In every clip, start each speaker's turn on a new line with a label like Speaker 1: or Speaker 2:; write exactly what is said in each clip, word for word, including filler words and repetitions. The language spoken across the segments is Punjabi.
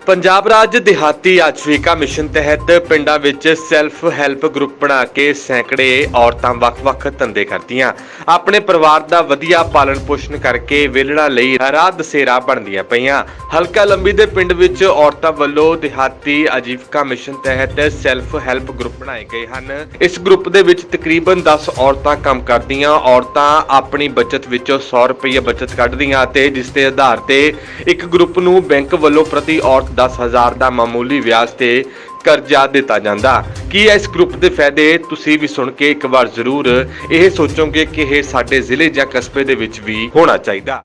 Speaker 1: ਪੰਜਾਬ ਰਾਜ ਦਿਹਾਤੀ ਆਜੀਵਿਕਾ ਮਿਸ਼ਨ ਤਹਿਤ ਪਿੰਡਾਂ ਵਿੱਚ ਸੈਲਫ ਹੈਲਪ ਗਰੁੱਪ ਬਣਾ ਕੇ ਸੈਂਕੜੇ ਔਰਤਾਂ ਵੱਖ-ਵੱਖ ਧੰਦੇ ਕਰਦੀਆਂ ਆਪਣੇ ਪਰਿਵਾਰ ਦਾ ਵਧੀਆ ਪਾਲਣ ਪੋਸ਼ਣ ਕਰਕੇ ਵਿਹਲੜਾਂ ਲਈ ਰਾਹ ਦਸੇਰਾ ਬਣਦੀਆਂ ਪਈਆਂ। ਹਲਕਾ ਲੰਬੀ ਦੇ ਪਿੰਡ ਵਿੱਚ ਔਰਤਾਂ ਵੱਲੋਂ ਦਿਹਾਤੀ ਆਜੀਵਿਕਾ ਮਿਸ਼ਨ ਤਹਿਤ ਸੈਲਫ ਹੈਲਪ ਗਰੁੱਪ ਬਣਾਏ ਗਏ ਹਨ। ਇਸ ਗਰੁੱਪ ਦੇ ਵਿੱਚ ਤਕਰੀਬਨ ਦਸ ਔਰਤਾਂ ਕੰਮ ਕਰਦੀਆਂ। ਔਰਤਾਂ ਆਪਣੀ ਬਚਤ ਵਿੱਚੋਂ ਸੌ ਰੁਪਏ ਬਚਤ ਕੱਢਦੀਆਂ ਅਤੇ ਜਿਸ ਦੇ ਆਧਾਰ ਤੇ ਇੱਕ ਗਰੁੱਪ ਨੂੰ ਬੈਂਕ ਵੱਲੋਂ ਪ੍ਰਤੀ ਔਰਤ दस हज़ार का मामूली ब्याज से करजा दिता जाता। की इस ग्रुप के फायदे तुसी भी सुन के एक बार जरूर यह सोचोगे कि यह साडे जिले या कस्बे दे विच भी होना चाहिए।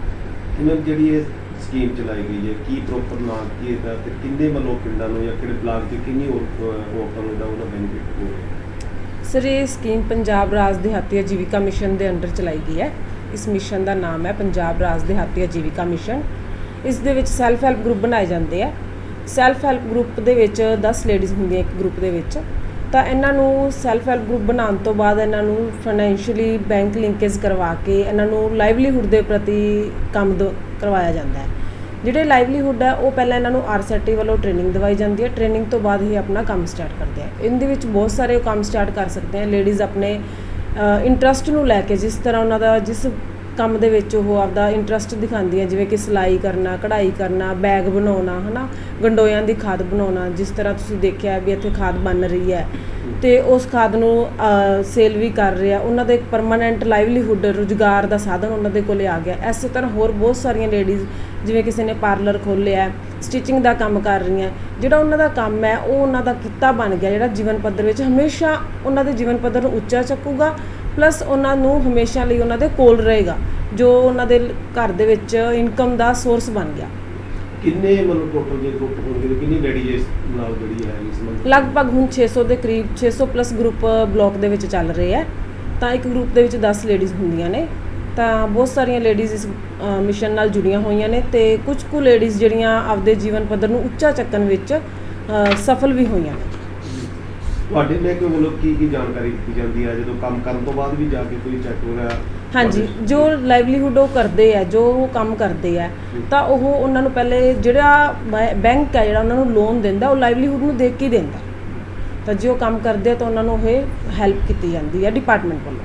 Speaker 2: ਜਿਹੜੀ ਇਹ ਸਕੀਮ ਚਲਾਈ ਗਈ ਹੈ ਕੀ ਪ੍ਰੋਪਰ ਨਾਮ ਕੀ ਇਹਦਾ ਤੇ ਕਿੰਨੇ ਵੱਲੋਂ ਪਿੰਡਾਂ ਨੂੰ ਜਾਂ ਕਿਹੜੇ ਬਲਾਕ ਦੇ ਕਿੰਨੀ ਔਰਤਾਂ ਨੂੰ ਇਹਦਾ ਉਹਦਾ ਬੈਨੀਫਿਟ ਹੋਵੇ?
Speaker 3: ਸਰ ਇਹ ਸਕੀਮ ਪੰਜਾਬ ਰਾਜ ਦਿਹਾਤੀ ਆਜੀਵਿਕਾ ਮਿਸ਼ਨ ਦੇ ਅੰਡਰ ਚਲਾਈ ਗਈ ਹੈ। ਇਸ ਮਿਸ਼ਨ ਦਾ ਨਾਮ ਹੈ ਪੰਜਾਬ ਰਾਜ ਦਿਹਾਤੀ ਆਜੀਵਿਕਾ ਮਿਸ਼ਨ। ਇਸ ਦੇ ਵਿੱਚ ਸੈਲਫ ਹੈਲਪ ਗਰੁੱਪ ਬਣਾਏ ਜਾਂਦੇ ਆ। ਸੈਲਫ ਹੈਲਪ ਗਰੁੱਪ ਦੇ ਵਿੱਚ ਦਸ ਲੇਡੀਜ਼ ਹੁੰਦੀਆਂ ਇੱਕ ਗਰੁੱਪ ਦੇ ਵਿੱਚ। ਤਾਂ ਇਹਨਾਂ ਨੂੰ ਸੈਲਫ ਹੈਲਪ ਗਰੁੱਪ ਬਣਾਉਣ ਤੋਂ ਬਾਅਦ ਇਹਨਾਂ ਨੂੰ ਫਾਈਨੈਂਸ਼ੀਅਲੀ ਬੈਂਕ ਲਿੰਕੇਜ ਕਰਵਾ ਕੇ ਇਹਨਾਂ ਨੂੰ ਲਾਈਵਲੀਹੁੱਡ ਦੇ ਪ੍ਰਤੀ ਕੰਮ ਦ ਕਰਵਾਇਆ ਜਾਂਦਾ ਹੈ। ਜਿਹੜੇ ਲਾਈਵਲੀਹੁੱਡ ਹੈ ਉਹ ਪਹਿਲਾਂ ਇਹਨਾਂ ਨੂੰ ਆਰ ਐਸ ਟੀ ਵੱਲੋਂ ਟ੍ਰੇਨਿੰਗ ਦਵਾਈ ਜਾਂਦੀ ਹੈ। ਟ੍ਰੇਨਿੰਗ ਤੋਂ ਬਾਅਦ ਹੀ ਆਪਣਾ ਕੰਮ ਸਟਾਰਟ ਕਰਦੇ ਆ। ਇਹਦੇ ਵਿੱਚ ਬਹੁਤ ਸਾਰੇ ਕੰਮ ਸਟਾਰਟ ਕਰ ਸਕਦੇ ਆ। ਲੇਡੀਜ਼ ਆਪਣੇ ਇੰਟਰਸਟ ਨੂੰ ਲੈ ਕੇ ਜਿਸ ਤਰ੍ਹਾਂ ਉਹਨਾਂ ਦਾ ਜਿਸ ਕੰਮ ਦੇ ਵਿੱਚ ਉਹ ਆਪਦਾ ਇੰਟਰਸਟ ਦਿਖਾਉਂਦੀਆਂ, ਜਿਵੇਂ ਕਿ ਸਿਲਾਈ ਕਰਨਾ, ਕਢਾਈ ਕਰਨਾ, ਬੈਗ ਬਣਾਉਣਾ, ਹੈ ਨਾ, ਗੰਡੋਇਆਂ ਦੀ ਖਾਦ ਬਣਾਉਣਾ। ਜਿਸ ਤਰ੍ਹਾਂ ਤੁਸੀਂ ਦੇਖਿਆ ਵੀ ਇੱਥੇ ਖਾਦ ਬਣ ਰਹੀ ਹੈ ਅਤੇ ਉਸ ਖਾਦ ਨੂੰ ਸੇਲ ਵੀ ਕਰ ਰਿਹਾ। ਉਹਨਾਂ ਦਾ ਇੱਕ ਪਰਮਾਨੈਂਟ ਲਾਈਵਲੀਹੁੱਡ ਰੁਜ਼ਗਾਰ ਦਾ ਸਾਧਨ ਉਹਨਾਂ ਦੇ ਕੋਲ ਆ ਗਿਆ। ਇਸੇ ਤਰ੍ਹਾਂ ਹੋਰ ਬਹੁਤ ਸਾਰੀਆਂ ਲੇਡੀਜ਼ ਜਿਵੇਂ ਕਿਸੇ ਨੇ ਪਾਰਲਰ ਖੋਲ੍ਹਿਆ, ਸਟਿਚਿੰਗ ਦਾ ਕੰਮ ਕਰ ਰਹੀਆਂ। ਜਿਹੜਾ ਉਹਨਾਂ ਦਾ ਕੰਮ ਹੈ ਉਹ ਉਹਨਾਂ ਦਾ ਕਿੱਤਾ ਬਣ ਗਿਆ, ਜਿਹੜਾ ਜੀਵਨ ਪੱਧਰ ਵਿੱਚ ਹਮੇਸ਼ਾ ਉਹਨਾਂ ਦੇ ਜੀਵਨ ਪੱਧਰ ਨੂੰ ਉੱਚਾ ਚੱਕੂਗਾ, ਪਲੱਸ ਉਹਨਾਂ ਨੂੰ ਹਮੇਸ਼ਾ ਲਈ ਉਹਨਾਂ ਦੇ ਕੋਲ ਰਹੇਗਾ, ਜੋ ਉਹਨਾਂ ਦੇ ਘਰ ਦੇ ਵਿੱਚ ਇਨਕਮ ਦਾ ਸੋਰਸ ਬਣ ਗਿਆ।
Speaker 2: ਕਿੰਨੇ ਮਤਲਬ ਟੋਟਲ ਜੇ ਗਰੁੱਪ ਹੋਣਗੇ ਕਿੰਨੀ ਲੇਡੀਜ਼ ਇਸ ਨਾਲ ਜਿਹੜੀ ਹੈ ਇਸ ਨਾਲ?
Speaker 3: ਲਗਭਗ ਹੁਣ ਛੇ ਸੌ ਦੇ ਕਰੀਬ ਛੇ ਸੌ ਪਲੱਸ ਗਰੁੱਪ ਬਲਾਕ ਦੇ ਵਿੱਚ ਚੱਲ ਰਹੇ ਹੈ। ਤਾਂ ਇੱਕ ਗਰੁੱਪ ਦੇ ਵਿੱਚ ਦਸ ਲੇਡੀਜ਼ ਹੁੰਦੀਆਂ ਨੇ। ਤਾਂ ਬਹੁਤ ਸਾਰੀਆਂ ਲੇਡੀਜ਼ ਇਸ ਮਿਸ਼ਨ ਨਾਲ ਜੁੜੀਆਂ ਹੋਈਆਂ ਨੇ ਅਤੇ ਕੁਝ ਕੁ ਲੇਡੀਜ਼ ਜਿਹੜੀਆਂ ਆਪਦੇ ਜੀਵਨ ਪੱਧਰ ਨੂੰ ਉੱਚਾ ਚੱਕਣ ਵਿੱਚ ਸਫਲ ਵੀ ਹੋਈਆਂ ਨੇ।
Speaker 2: ਤੁਹਾਡੇ ਮਹਿਕਮੇ ਵੱਲੋਂ ਕੀ ਕੀ ਜਾਣਕਾਰੀ ਦਿੱਤੀ ਜਾਂਦੀ ਹੈ ਜਦੋਂ ਕੰਮ ਕਰਨ ਤੋਂ ਬਾਅਦ ਵੀ ਜਾ ਕੇ ਕੋਈ ਚੈੱਕ ਵਗੈਰਾ?
Speaker 3: ਹਾਂਜੀ, ਜੋ ਲਾਈਵਲੀਹੁੱਡ ਉਹ ਕਰਦੇ ਆ, ਜੋ ਉਹ ਕੰਮ ਕਰਦੇ ਆ, ਤਾਂ ਉਹ ਉਹਨਾਂ ਨੂੰ ਪਹਿਲੇ ਜਿਹੜਾ ਬੈਂਕ ਹੈ ਜਿਹੜਾ ਉਹਨਾਂ ਨੂੰ ਲੋਨ ਦਿੰਦਾ ਉਹ ਲਾਈਵਲੀਹੁੱਡ ਨੂੰ ਦੇਖ ਕੇ ਹੀ ਦਿੰਦਾ। ਤਾਂ ਜੇ ਉਹ ਕੰਮ ਕਰਦੇ ਆ ਤਾਂ ਉਹਨਾਂ ਨੂੰ ਇਹ ਹੈਲਪ ਕੀਤੀ ਜਾਂਦੀ ਹੈ ਡਿਪਾਰਟਮੈਂਟ ਵੱਲੋਂ।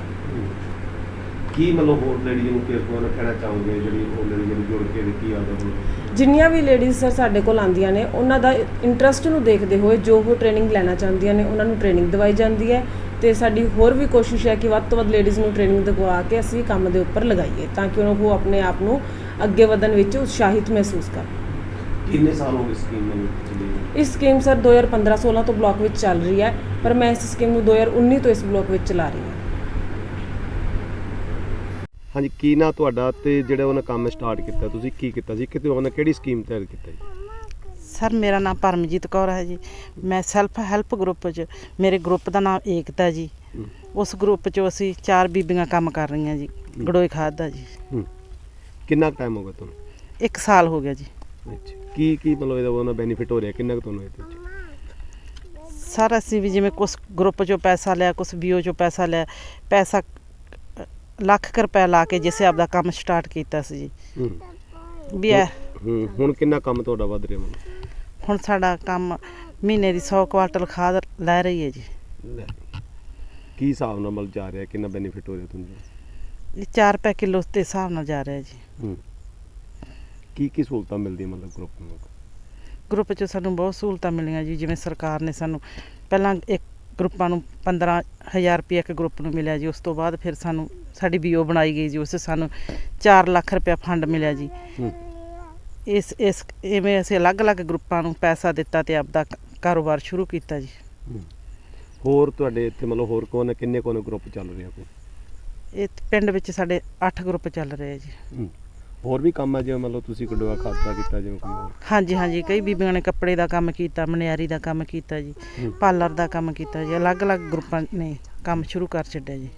Speaker 2: ਕੀ ਮਤਲਬ ਹੋਰ ਲੇਡੀਜ਼ ਨੂੰ ਕਿਸ ਕੋਲ ਕਹਿਣਾ ਚਾਹੋਗੇ ਜਿਹੜੀ ਹੋਰ ਲੇਡੀਜ਼ ਨੂੰ ਜੁੜ ਕੇ ਦਿੱਤੀ ਆਦਾ?
Speaker 3: ਜਿੰਨੀਆਂ ਵੀ ਲੇਡੀਜ਼ ਸਰ ਸਾਡੇ ਕੋਲ ਆਉਂਦੀਆਂ ਨੇ ਉਹਨਾਂ ਦਾ ਇੰਟਰਸਟ ਨੂੰ ਦੇਖਦੇ ਹੋਏ ਜੋ ਉਹ ਟ੍ਰੇਨਿੰਗ ਲੈਣਾ ਚਾਹੁੰਦੀਆਂ ਨੇ ਉਹਨਾਂ ਨੂੰ ਟ੍ਰੇਨਿੰਗ ਦਵਾਈ ਜਾਂਦੀ ਹੈ। ਅਤੇ ਸਾਡੀ ਹੋਰ ਵੀ ਕੋਸ਼ਿਸ਼ ਹੈ ਕਿ ਵੱਧ ਤੋਂ ਵੱਧ ਲੇਡੀਜ਼ ਨੂੰ ਟ੍ਰੇਨਿੰਗ ਦਵਾ ਕੇ ਅਸੀਂ ਕੰਮ ਦੇ ਉੱਪਰ ਲਗਾਈਏ ਤਾਂ ਕਿ ਉਹ ਆਪਣੇ ਆਪ ਨੂੰ ਅੱਗੇ ਵਧਣ ਵਿੱਚ ਉਤਸ਼ਾਹਿਤ ਮਹਿਸੂਸ ਕਰਨ।
Speaker 2: ਕਿੰਨੇ ਸਾਲ ਹੋ ਗਏ ਸਕੀਮ ਨੂੰ ਚੱਲੀ?
Speaker 3: ਇਸ ਸਕੀਮ ਸਰ ਦੋ ਹਜ਼ਾਰ ਪੰਦਰਾਂ ਸੋਲਾਂ ਤੋਂ ਬਲਾਕ ਵਿੱਚ ਚੱਲ ਰਹੀ ਹੈ, ਪਰ ਮੈਂ ਇਸ ਸਕੀਮ ਨੂੰ ਦੋ ਹਜ਼ਾਰ ਉੱਨੀ ਤੋਂ ਇਸ ਬਲਾਕ ਵਿੱਚ ਚਲਾ ਰਹੀ ਹਾਂ।
Speaker 2: ਹਾਂਜੀ, ਕੀ ਨਾ ਤੁਹਾਡਾ ਤੇ ਜਿਹੜਾ ਉਹਨੇ ਕੰਮ ਸਟਾਰਟ ਕੀਤਾ ਤੁਸੀਂ ਕੀ ਕੀਤਾ ਸੀ, ਕਿਤੇ ਉਹਨੇ ਕਿਹੜੀ ਸਕੀਮ ਤਿਆਰ ਕੀਤਾ ਜੀ?
Speaker 4: ਸਰ ਮੇਰਾ ਨਾਮ ਪਰਮਜੀਤ ਕੌਰ ਹੈ ਜੀ। ਮੈਂ ਸੈਲਫ ਹੈਲਪ ਗਰੁੱਪ 'ਚ, ਮੇਰੇ ਗਰੁੱਪ ਦਾ ਨਾਮ ਏਕਤਾ ਜੀ। ਉਸ ਗਰੁੱਪ 'ਚ ਅਸੀਂ ਚਾਰ ਬੀਬੀਆਂ ਕੰਮ ਕਰ ਰਹੀਆਂ ਜੀ, ਗੜੋਏ ਖਾਦ ਦਾ ਜੀ।
Speaker 2: ਕਿੰਨਾ ਟਾਈਮ ਹੋ ਗਿਆ ਤੁਹਾਨੂੰ?
Speaker 4: ਇੱਕ ਸਾਲ ਹੋ ਗਿਆ ਜੀ।
Speaker 2: ਅੱਛਾ, ਕੀ ਕੀ ਮਤਲਬ ਇਹਦਾ ਉਹਦਾ ਬੈਨੀਫਿਟ ਹੋ ਰਿਹਾ, ਕਿੰਨਾ ਕੁ ਤੁਹਾਨੂੰ ਇਹਦੇ ਵਿੱਚ?
Speaker 4: ਸਰ ਅਸੀਂ ਵੀ ਜਿਵੇਂ ਕੁਛ ਗਰੁੱਪ 'ਚੋਂ ਪੈਸਾ ਲਿਆ, ਕੁਛ ਬੀ ਓ 'ਚੋਂ ਪੈਸਾ ਲਿਆ, ਪੈਸਾ ਲੱਖ ਕੁ ਰੁਪਇਆ ਲਾ ਕੇ ਜਿਸੇ ਆਪਦਾ ਕੰਮ ਸਟਾਰਟ ਕੀਤਾ ਸੀ ਜੀ। ਵੀ ਹੈ
Speaker 2: ਹੁਣ ਕਿੰਨਾ ਕੰਮ ਤੁਹਾਡਾ ਵੱਧ ਰਿਹਾ? ਮੈਨੂੰ
Speaker 4: ਹੁਣ ਸਾਡਾ ਕੰਮ ਮਹੀਨੇ ਦੀ ਸੌ ਕੁਆਂਟਲ ਖਾਦ ਲੈ ਰਹੀ ਹੈ ਜੀ।
Speaker 2: ਕੀ ਹਿਸਾਬ ਨਾਲ ਮਤਲਬ ਜਾ ਰਿਹਾ, ਕਿੰਨਾ ਬੈਨੀਫਿਟ ਹੋ ਰਿਹਾ ਤੁਹਾਨੂੰ?
Speaker 4: ਇਹ ਚਾਰ ਰੁਪਏ ਕਿਲੋ ਦੇ ਹਿਸਾਬ ਨਾਲ ਜਾ ਰਿਹਾ ਜੀ।
Speaker 2: ਕੀ ਕੀ ਸਹੂਲਤਾਂ ਮਿਲਦੀਆਂ ਮਤਲਬ ਗਰੁੱਪ ਨੂੰ?
Speaker 4: ਗਰੁੱਪ 'ਚ ਸਾਨੂੰ ਬਹੁਤ ਸਹੂਲਤਾਂ ਮਿਲੀਆਂ ਜੀ। ਜਿਵੇਂ ਸਰਕਾਰ ਨੇ ਸਾਨੂੰ ਪਹਿਲਾਂ ਇੱਕ ਗਰੁੱਪਾਂ ਨੂੰ ਪੰਦਰਾਂ ਹਜ਼ਾਰ ਰੁਪਇਆ ਇੱਕ ਗਰੁੱਪ ਨੂੰ ਮਿਲਿਆ ਜੀ। ਉਸ ਤੋਂ ਬਾਅਦ ਫਿਰ ਸਾਨੂੰ ਸਾਡੀ ਬੀ ਓ ਬਣਾਈ ਗਈ ਜੀ, ਉਸ ਸਾਨੂੰ ਚਾਰ ਲੱਖ ਰੁਪਇਆ ਫੰਡ ਮਿਲਿਆ ਜੀ। ਇਸ ਇਸ ਇਵੇਂ ਅਸੀਂ ਅਲੱਗ-ਅਲੱਗ ਗਰੁੱਪਾਂ ਨੂੰ ਪੈਸਾ ਦਿੱਤਾ ਅਤੇ ਆਪਦਾ ਕਾਰੋਬਾਰ ਸ਼ੁਰੂ ਕੀਤਾ ਜੀ।
Speaker 2: ਹੋਰ ਤੁਹਾਡੇ ਇੱਥੇ ਮਤਲਬ ਹੋਰ ਕੋਣ ਕਿੰਨੇ ਕੋਣ ਗਰੁੱਪ ਚੱਲ ਰਹੇ ਆ?
Speaker 4: ਇਹ ਪਿੰਡ ਵਿੱਚ ਸਾਡੇ ਅੱਠ ਗਰੁੱਪ ਚੱਲ ਰਹੇ ਆ ਜੀ।
Speaker 2: ਹੋਰ ਵੀ ਕੰਮ ਹੈ ਜਿਵੇਂ ਮਤਲਬ ਤੁਸੀਂ ਗੰਡੋਆ ਖਾਦ ਦਾ ਕੀਤਾ ਜਿਵੇਂ ਕੋਈ ਹੋਰ?
Speaker 4: ਹਾਂਜੀ ਹਾਂਜੀ, ਕਈ ਬੀਬੀਆਂ ਨੇ ਕੱਪੜੇ ਦਾ ਕੰਮ ਕੀਤਾ, ਮਨਿਆਰੀ ਦਾ ਕੰਮ ਕੀਤਾ ਜੀ, ਪਾਰਲਰ ਦਾ ਕੰਮ ਕੀਤਾ ਜੀ। ਅਲੱਗ-ਅਲੱਗ ਗਰੁੱਪਾਂ ਨੇ ਕੰਮ ਸ਼ੁਰੂ ਕਰ ਛੱਡਿਆ ਜੀ।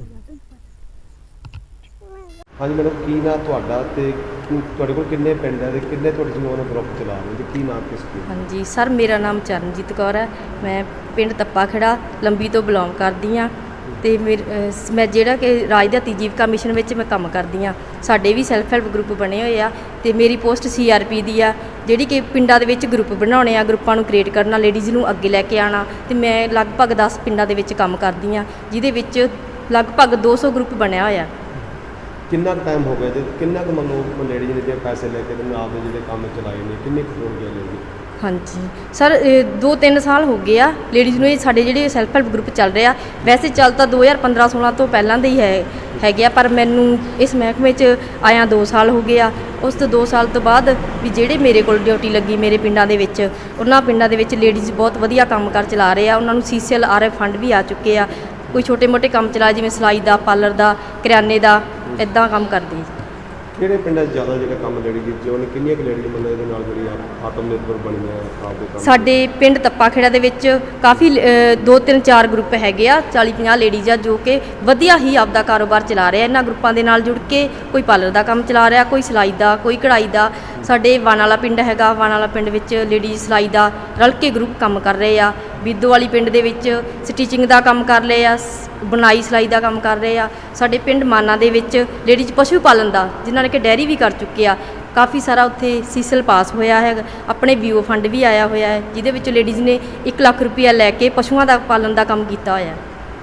Speaker 2: ਹਾਂਜੀ ਮੈਡਮ, ਕੀ ਨਾਂ ਤੁਹਾਡਾ ਤੇ ਤੁਹਾਡੇ ਕੋਲ ਕਿੰਨੇ ਪਿੰਡ ਹੈ ਤੇ ਕਿੰਨੇ ਤੁਹਾਡੇ ਸਮੂਹ ਗਰੁੱਪ ਚਲਾ ਰਹੇ ਤੇ ਕੀ ਨਾਮ ਕਿਸ ਕੀ?
Speaker 5: ਹਾਂਜੀ ਸਰ, ਮੇਰਾ ਨਾਮ ਚਰਨਜੀਤ ਕੌਰ ਹੈ। ਮੈਂ ਪਿੰਡ ਤੱਪਾ ਖੇੜਾ ਲੰਬੀ ਤੋਂ ਬਿਲੋਂਗ ਕਰਦੀ ਹਾਂ ਅਤੇ ਮੇਰੇ ਮੈਂ ਜਿਹੜਾ ਕਿ ਰਾਜ ਦਿਹਾਤੀ ਆਜੀਵਿਕਾ ਮਿਸ਼ਨ ਵਿੱਚ ਮੈਂ ਕੰਮ ਕਰਦੀ ਹਾਂ। ਸਾਡੇ ਵੀ ਸੈਲਫ ਹੈਲਪ ਗਰੁੱਪ ਬਣੇ ਹੋਏ ਆ ਅਤੇ ਮੇਰੀ ਪੋਸਟ ਸੀ ਆਰ ਪੀ ਦੀ ਆ। ਜਿਹੜੀ ਕਿ ਪਿੰਡਾਂ ਦੇ ਵਿੱਚ ਗਰੁੱਪ ਬਣਾਉਣੇ ਆ, ਗਰੁੱਪਾਂ ਨੂੰ ਕ੍ਰੀਏਟ ਕਰਨਾ, ਲੇਡੀਜ਼ ਨੂੰ ਅੱਗੇ ਲੈ ਕੇ ਆਉਣਾ। ਤੇ ਮੈਂ ਲਗਭਗ ਦਸ ਪਿੰਡਾਂ ਦੇ ਵਿੱਚ ਕੰਮ ਕਰਦੀ ਹਾਂ, ਜਿਹਦੇ ਵਿੱਚ ਲਗਭਗ ਦੋ ਸੌ ਗਰੁੱਪ ਬਣਿਆ ਹੋਇਆ।
Speaker 2: ਕਿੰਨਾ ਕੁ ਟਾਈਮ ਹੋ ਗਿਆ ਤੇ ਕਿੰਨਾ ਕੁ ਮਤਲਬ ਲੇਡੀਜ਼ ਨੇ ਜਿਹੜੇ ਪੈਸੇ ਲੈ ਕੇ ਤੇ ਆਪ ਦੇ ਜਿਹੜੇ ਕੰਮ ਚਲਾਏ ਨੇ, ਕਿੰਨੇ ਕੁ ਹੋ ਗਿਆ ਲੇਡੀ?
Speaker 5: ਹਾਂਜੀ ਸਰ, ਦੋ ਤਿੰਨ ਸਾਲ ਹੋ ਗਏ ਆ ਲੇਡੀਜ਼ ਨੂੰ ਇਹ ਸਾਡੇ ਜਿਹੜੇ ਸੈਲਫ ਹੈਲਪ ਗਰੁੱਪ ਚੱਲ ਰਹੇ ਆ। ਵੈਸੇ ਚੱਲ ਤਾਂ ਦੋ ਹਜ਼ਾਰ ਪੰਦਰਾਂ ਸੋਲਾਂ ਤੋਂ ਪਹਿਲਾਂ ਦੇ ਹੀ ਹੈ ਹੈਗੇ ਆ, ਪਰ ਮੈਨੂੰ ਇਸ ਮਹਿਕਮੇ 'ਚ ਆਇਆ ਦੋ ਸਾਲ ਹੋ ਗਏ ਆ। ਉਸ ਤੋਂ ਦੋ ਸਾਲ ਤੋਂ ਬਾਅਦ ਵੀ ਜਿਹੜੇ ਮੇਰੇ ਕੋਲ ਡਿਊਟੀ ਲੱਗੀ ਮੇਰੇ ਪਿੰਡਾਂ ਦੇ ਵਿੱਚ, ਉਹਨਾਂ ਪਿੰਡਾਂ ਦੇ ਵਿੱਚ ਲੇਡੀਜ਼ ਬਹੁਤ ਵਧੀਆ ਕੰਮ ਕਰ ਚਲਾ ਰਹੇ ਆ। ਉਹਨਾਂ ਨੂੰ C C L R F fund ਵੀ ਆ ਚੁੱਕੇ ਆ। ਕੋਈ ਛੋਟੇ ਮੋਟੇ ਕੰਮ ਚਲਾ, ਜਿਵੇਂ ਸਿਲਾਈ ਦਾ, ਪਾਰਲਰ ਦਾ, ਕਰਿਆਨੇ ਦਾ, ਇੱਦਾਂ ਕੰਮ ਕਰਦੇ ਜੀ।
Speaker 2: ਕਿਹੜੇ ਪਿੰਡਾਂ 'ਚ ਜ਼ਿਆਦਾ ਜਿਹੜਾ ਕੰਮ ਲੇਡੀ ਕੀਤੀ, ਉਹਨੇ ਕਿੰਨੀਆਂ ਕੁ ਲੇਡੀ ਮਤਲਬ ਇਹਦੇ ਨਾਲ ਜਿਹੜੀ ਆ ਆਤਮ ਨਿਰਭਰ ਬਣੀਆਂ ਆਪਦੇ ਕੰਮ?
Speaker 5: ਸਾਡੇ ਪਿੰਡ ਤੱਪਾ ਖੇੜਾ ਦੇ ਵਿੱਚ ਕਾਫੀ ਅ, ਦੋ ਤਿੰਨ ਚਾਰ ਗਰੁੱਪ ਹੈਗੇ ਆ, ਚਾਲੀ ਪੰਜਾਹ ਲੇਡੀਜ਼ ਆ ਜੋ ਕਿ ਵਧੀਆ ਹੀ ਆਪਦਾ ਕਾਰੋਬਾਰ ਚਲਾ ਰਹੇ ਆ। ਇਹਨਾਂ ਗਰੁੱਪਾਂ ਦੇ ਨਾਲ ਜੁੜ ਕੇ ਕੋਈ ਪਾਰਲਰ ਦਾ ਕੰਮ ਚਲਾ ਰਿਹਾ, ਕੋਈ ਸਿਲਾਈ ਦਾ, ਕੋਈ ਕਢਾਈ ਦਾ। ਸਾਡੇ ਵਾਣ ਵਾਲਾ ਪਿੰਡ ਹੈਗਾ, ਵਾਣ ਵਾਲਾ ਪਿੰਡ ਵਿੱਚ ਲੇਡੀਜ਼ ਸਿਲਾਈ ਦਾ ਰਲ ਕੇ ਗਰੁੱਪ ਕੰਮ ਕਰ ਰਹੇ ਆ। ਬਿੱਦੋ ਵਾਲੀ ਪਿੰਡ ਦੇ ਵਿੱਚ ਸਟਿਚਿੰਗ ਦਾ ਕੰਮ ਕਰ ਰਹੇ ਆ, ਬੁਣਾਈ ਸਿਲਾਈ ਦਾ ਕੰਮ ਕਰ ਰਹੇ ਆ। ਸਾਡੇ ਪਿੰਡ ਮਾਨਾ ਦੇ ਵਿੱਚ ਲੇਡੀਜ਼ ਪਸ਼ੂ ਪਾਲਣ ਦਾ, ਜਿਨ੍ਹਾਂ ਨੇ ਕਿ ਡੈਰੀ ਵੀ ਕਰ ਚੁੱਕੇ ਆ, ਕਾਫੀ ਸਾਰਾ ਉੱਥੇ ਸੀਸਲ ਪਾਸ ਹੋਇਆ ਹੈ। ਆਪਣੇ ਵੀਓ ਫੰਡ ਵੀ ਆਇਆ ਹੋਇਆ ਹੈ, ਜਿਹਦੇ ਵਿੱਚ ਲੇਡੀਜ਼ ਨੇ ਇੱਕ ਲੱਖ ਰੁਪਇਆ ਲੈ ਕੇ ਪਸ਼ੂਆਂ ਦਾ ਪਾਲਣ ਦਾ ਕੰਮ ਕੀਤਾ ਹੋਇਆ।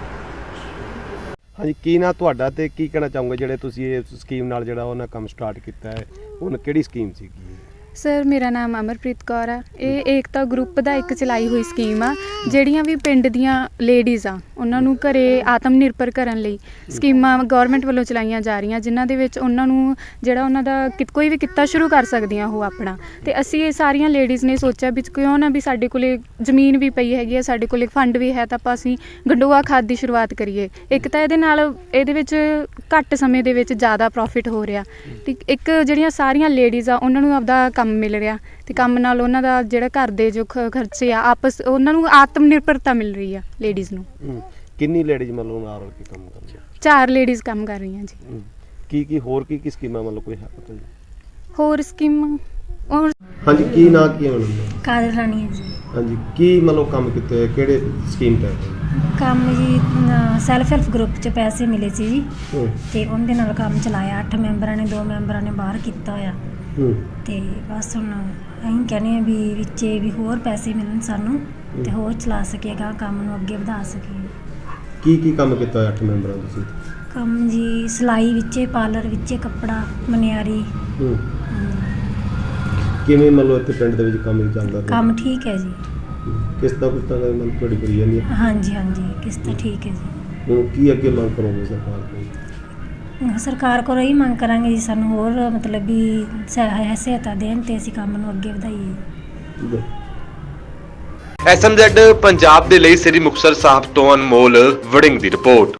Speaker 2: ਹਾਂਜੀ, ਕੀ ਨਾ ਤੁਹਾਡਾ ਤੇ ਕੀ ਕਹਿਣਾ ਚਾਹੋਗੇ ਜਿਹੜੇ ਤੁਸੀਂ ਇਹ ਸਕੀਮ ਨਾਲ ਜਿਹੜਾ ਉਹਨਾਂ ਕੰਮ ਸਟਾਰਟ ਕੀਤਾ ਹੈ, ਉਹਨਾਂ ਕਿਹੜੀ ਸਕੀਮ ਸੀਗੀ?
Speaker 6: ਸਰ, ਮੇਰਾ ਨਾਮ ਅਮਰਪ੍ਰੀਤ ਕੌਰ ਆ। ਇਹ ਏਕਤਾ ਗਰੁੱਪ ਦਾ ਇੱਕ ਚਲਾਈ ਹੋਈ ਸਕੀਮ ਆ। ਜਿਹੜੀਆਂ ਵੀ ਪਿੰਡ ਦੀਆਂ ਲੇਡੀਜ਼ ਆ, ਉਹਨਾਂ ਨੂੰ ਘਰੇ ਆਤਮ ਨਿਰਭਰ ਕਰਨ ਲਈ ਸਕੀਮਾਂ ਗਵਰਨਮੈਂਟ ਵੱਲੋਂ ਚਲਾਈਆਂ ਜਾ ਰਹੀਆਂ, ਜਿਨ੍ਹਾਂ ਦੇ ਵਿੱਚ ਉਹਨਾਂ ਨੂੰ ਜਿਹੜਾ ਉਹਨਾਂ ਦਾ ਕਿ- ਕੋਈ ਵੀ ਕਿੱਤਾ ਸ਼ੁਰੂ ਕਰ ਸਕਦੀਆਂ ਉਹ ਆਪਣਾ। ਤੇ ਅਸੀਂ ਇਹ ਸਾਰੀਆਂ ਲੇਡੀਜ਼ ਨੇ ਸੋਚਿਆ ਵੀ ਕਿਉਂ ਨਾ ਵੀ ਸਾਡੇ ਕੋਲੇ ਜ਼ਮੀਨ ਵੀ ਪਈ ਹੈਗੀ ਆ, ਸਾਡੇ ਕੋਲੇ ਫੰਡ ਵੀ ਹੈ, ਤਾਂ ਆਪਾਂ ਅਸੀਂ ਗੰਡੋਆ ਖਾਦ ਦੀ ਸ਼ੁਰੂਆਤ ਕਰੀਏ। ਇੱਕ ਤਾਂ ਇਹਦੇ ਨਾਲ ਇਹਦੇ ਵਿੱਚ ਘੱਟ ਸਮੇਂ ਦੇ ਵਿੱਚ ਜ਼ਿਆਦਾ ਪ੍ਰੋਫਿਟ ਹੋ ਰਿਹਾ, ਤੇ ਇੱਕ ਜਿਹੜੀਆਂ ਸਾਰੀਆਂ ਲੇਡੀਜ਼ ਆ ਉਹਨਾਂ ਨੂੰ ਆਪਦਾ ਕੰਮ ਮਿਲ ਰਿਹਾ, ਤੇ ਕੰਮ ਨਾਲ ਉਹਨਾਂ ਦਾ ਜਿਹੜਾ ਘਰ ਦੇ ਜੋ ਖ- ਖਰਚੇ ਆ, ਆਪਸ ਉਹਨਾਂ ਨੂੰ ਆਤਮ ਨਿਰਭਰਤਾ ਮਿਲ ਰਹੀ ਆ ਲੇਡੀਜ਼ ਨੂੰ।
Speaker 2: ਹੂੰ। ਕਿੰਨੀ ਲੇਡੀਜ਼ ਮਤਲਬ ਨਾਲ ਰਲ ਕੇ ਕੰਮ ਕਰਦੀਆਂ?
Speaker 6: ਚਾਰ ਲੇਡੀਜ਼ ਕੰਮ ਕਰ ਰਹੀਆਂ ਜੀ।
Speaker 2: ਹੂੰ। ਕੀ ਕੀ ਹੋਰ ਕੀ ਕੀ ਸਕੀਮਾਂ ਮਤਲਬ ਕੋਈ ਹੈ ਪਤਾ ਜੀ?
Speaker 6: ਹੋਰ ਸਕੀਮਾਂ ਔਰ
Speaker 2: ਹਾਂਜੀ, ਕੀ ਨਾਂ ਕੀ ਹੈ ਮੈਡਮ?
Speaker 7: ਕਾਦਰ ਰਾਣੀ ਹੈ ਜੀ।
Speaker 2: ਹਾਂਜੀ, ਕੀ ਮਤਲਬ ਕੰਮ ਕੀਤੇ ਹੋਏ, ਕਿਹੜੇ ਸਕੀਮ ਤਹਿਤ?
Speaker 7: ਕੰਮ ਜੀ ਸੈਲਫ ਹੈਲਪ ਗਰੁੱਪ 'ਚ ਪੈਸੇ ਮਿਲੇ ਸੀ ਜੀ,
Speaker 2: ਹੂੰ
Speaker 7: ਤੇ ਉਹਦੇ ਨਾਲ ਕੰਮ ਚਲਾਇਆ। ਅੱਠ ਮੈਂਬਰਾਂ ਨੇ, ਦੋ ਮੈਂਬਰਾਂ ਨੇ ਬਾਹਰ ਕੀਤਾ ਹੋਇਆ,
Speaker 2: ਹੂੰ
Speaker 7: ਤੇ ਬਸ ਹੁਣ ਅਸੀਂ ਕਹਿੰਦੇ ਹਾਂ ਵੀ ਵਿੱਚੇ ਵੀ ਹੋਰ ਪੈਸੇ ਮਿਲਣ ਸਾਨੂੰ, ਤੇ ਹੋਰ ਚਲਾ ਸਕੇਗਾ ਕੰਮ ਨੂੰ, ਅੱਗੇ ਵਧਾ ਸਕੀਏ।
Speaker 2: ਕੀ ਕੀ ਕੰਮ ਕੀਤਾ ਹੋਇਆ ਅੱਠ ਮੈਂਬਰਾਂ ਤੁਸੀਂ?
Speaker 7: ਕੰਮ ਜੀ ਸਿਲਾਈ ਵਿੱਚੇ, ਪਾਰਲਰ ਵਿੱਚੇ, ਕੱਪੜਾ, ਮਨਿਆਰੀ।
Speaker 2: ਹੂੰ।
Speaker 7: ਹਾਂਜੀ।
Speaker 2: ਕਿਵੇਂ ਮਤਲਬ ਇੱਥੇ ਪਿੰਡ ਦੇ ਵਿੱਚ ਕੰਮ ਚੱਲਦਾ ਪਿਆ?
Speaker 7: ਕੰਮ ਠੀਕ ਹੈ ਜੀ।
Speaker 2: ਹੂੰ। ਕਿਸ ਤਰ੍ਹਾਂ ਕਿਸ ਤਰ੍ਹਾਂ ਦਾ ਮਤਲਬ ਤੁਹਾਡੀ ਕਰੀ ਜਾਂਦੀ ਹੈ?
Speaker 7: ਹਾਂਜੀ ਹਾਂਜੀ, ਕਿਸ ਤਰ੍ਹਾਂ ਠੀਕ ਹੈ ਜੀ।
Speaker 2: ਹੁਣ ਕੀ ਅੱਗੇ ਮੰਗ ਕਰੋਗੇ ਸਰਕਾਰ ਕੋਲ?
Speaker 7: ਸਰਕਾਰ ਕੋਲ ਇਹੀ ਮੰਗ ਕਰਾਂਗੇ ਜੀ, ਸਾਨੂੰ ਹੋਰ ਮਤਲਬ ਵੀ ਸਹਾਇ- ਸਹਾਇਤਾ ਦੇਣ ਤੇ ਅਸੀਂ ਕੰਮ ਨੂੰ ਅੱਗੇ ਵਧਾਈਏ।
Speaker 1: ਐਸ ਐਮ ਜ਼ੈਡ ਪੰਜਾਬ ਦੇ ਲਈ ਸ੍ਰੀ ਮੁਕਤਸਰ ਸਾਹਿਬ ਤੋਂ ਅਨਮੋਲ ਵੜਿੰਗ ਦੀ ਰਿਪੋਰਟ।